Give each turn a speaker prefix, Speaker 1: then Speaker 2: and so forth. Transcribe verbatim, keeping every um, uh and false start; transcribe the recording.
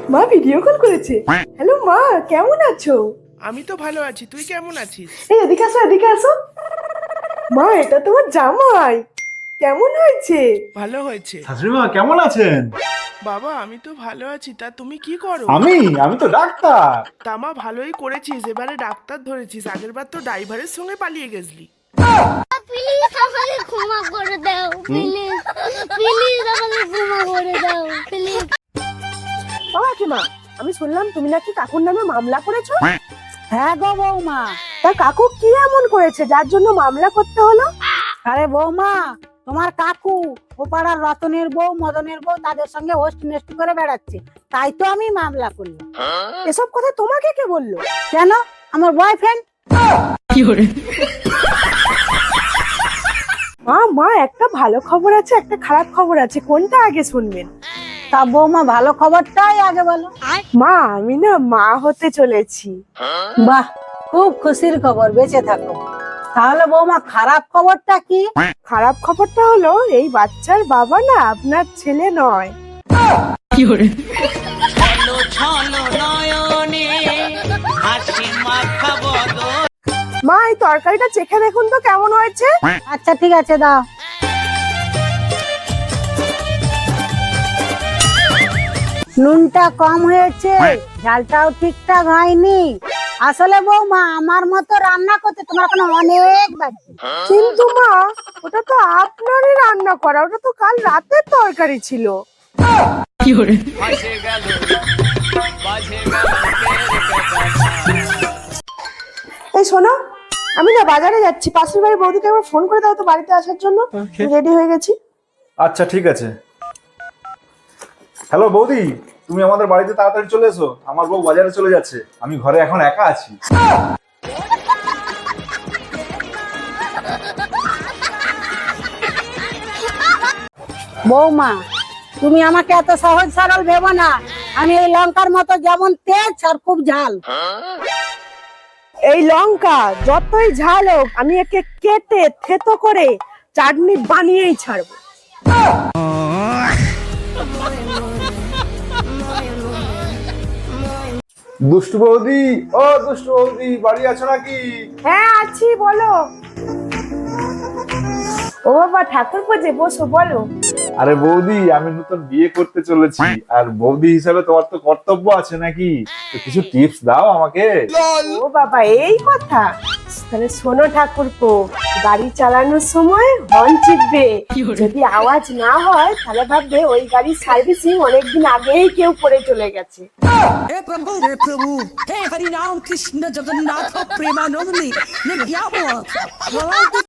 Speaker 1: মা video call করেছে। Hello মা, কেমন আছো?
Speaker 2: আমি তো ভালো আছি, তুই কেমন আছিস?
Speaker 1: এই এদিকে আসো, এদিকে আসো। মা, এটা তোমার জামাই। কেমন হয়েছে?
Speaker 2: ভালো হয়েছে।
Speaker 3: শাশুড়িমা কেমন আছেন?
Speaker 2: বাবা আমি তো ভালো আছি, তা তুমি কি করো?
Speaker 3: আমি আমি তো ডাক্তার।
Speaker 2: তামা ভালোই করেছিস, এবারে ডাক্তার ধরেছিস, আগের বার তো ড্রাইভারের সঙ্গে পালিয়ে গেছলি।
Speaker 4: প্লিজ আমাকে ক্ষমা করে দাও, প্লিজ প্লিজ আমাকে ক্ষমা করে দাও, প্লিজ।
Speaker 1: ও কাকিমা, আমি শুনলাম তুমি নাকি কাকুর নামে মামলা করেছো।
Speaker 5: হ্যাঁ গো বৌমা।
Speaker 1: তা কাকু কি এমন করেছে যার জন্য মামলা করতে হলো?
Speaker 5: আরে বৌমা, তোমার কাকু ও পাড়ার রতনের বউ মদনের বউ তাদের সঙ্গে হোস্ট নেস্ট করে বেড়াচ্ছে, তাই তো আমি মামলা করলাম।
Speaker 1: এসব কথা তোমাকে কে বললো?
Speaker 5: কেন? আমার বয়ফ্রেন্ড।
Speaker 1: মা মা একটা ভালো খবর আছে, একটা খারাপ খবর আছে, কোনটা আগে শুনবেন?
Speaker 5: তা বৌমা ভালো খবরটাই আগে বলো।
Speaker 1: মা আমি না মা হতে চলেছি।
Speaker 5: বাহ, খুব খুশির খবর, বেঁচে থাকো। তাহলে বৌমা খারাপ খবরটা কি?
Speaker 1: খারাপ খবরটা হলো এই বাচ্চার বাবা না আপনার ছেলে নয়। মা এই তরকারিটা চেখে দেখুন তো কেমন হয়েছে।
Speaker 5: আচ্ছা ঠিক আছে, দাও। নুনটা কম হয়েছে, ঝালটাও ঠিকঠাক হয়নি। আসলে বৌমা আমার মতো রান্না করতে তোমার কোনো অনেক বাকি।
Speaker 1: কিন্তু মা ওটা তো আপনারই রান্না করা, ওটা তো কাল রাতের তরকারি ছিল। এই শোনো, আমি না বাজারে যাচ্ছি, পাশের বাড়ির বৌদিকে একবার ফোন করে দাও তো বাড়িতে আসার জন্য। রেডি হয়ে গেছি।
Speaker 3: আচ্ছা ঠিক আছে। হ্যালো বৌদি, তুমি আমাদের বাড়িতে তাড়াতাড়ি চলে এসো, আমার বউ বাজারে চলে যাচ্ছে, আমি ঘরে এখন একা আছি।
Speaker 5: বৌমা, তুমি আমাকে এত সহজ সরল ভেবো না। আমি এই লঙ্কার মতো যেমন তেজ আর খুব ঝাল।
Speaker 1: এই লঙ্কা যতই ঝাল হোক আমি একে কেটে থেতো করে চাটনি বানিয়েই ছাড়বো।
Speaker 3: দুষ্টু বৌদি, ও দুষ্টু বৌদি, বাড়ি আছো নাকি?
Speaker 1: হ্যাঁ আছি, বলো। ও বাবা, ঠাকুর পুজো বসো, বলো।
Speaker 3: আরে বৌদি, আমি নতুন বিয়ে করতে চলেছি, আর বৌদি হিসাবে তোমার তো কর্তব্য আছে নাকি, তো কিছু টিপস দাও আমাকে।
Speaker 1: ও বাবা, এই কথা। তাহলে শোনো ঠাকুরপো, গাড়ি চালানোর সময় হর্ন চিপবে, যদি আওয়াজ না হয় তাহলে ভাববে ওই গাড়ির সার্ভিসিং অনেকদিন আগেই কেউ করে চলে গেছে।
Speaker 6: हे प्रभु हे प्रभु हे हरि राम कृष्ण जगन्नाथ प्रेमानंदी ये क्या हुआ?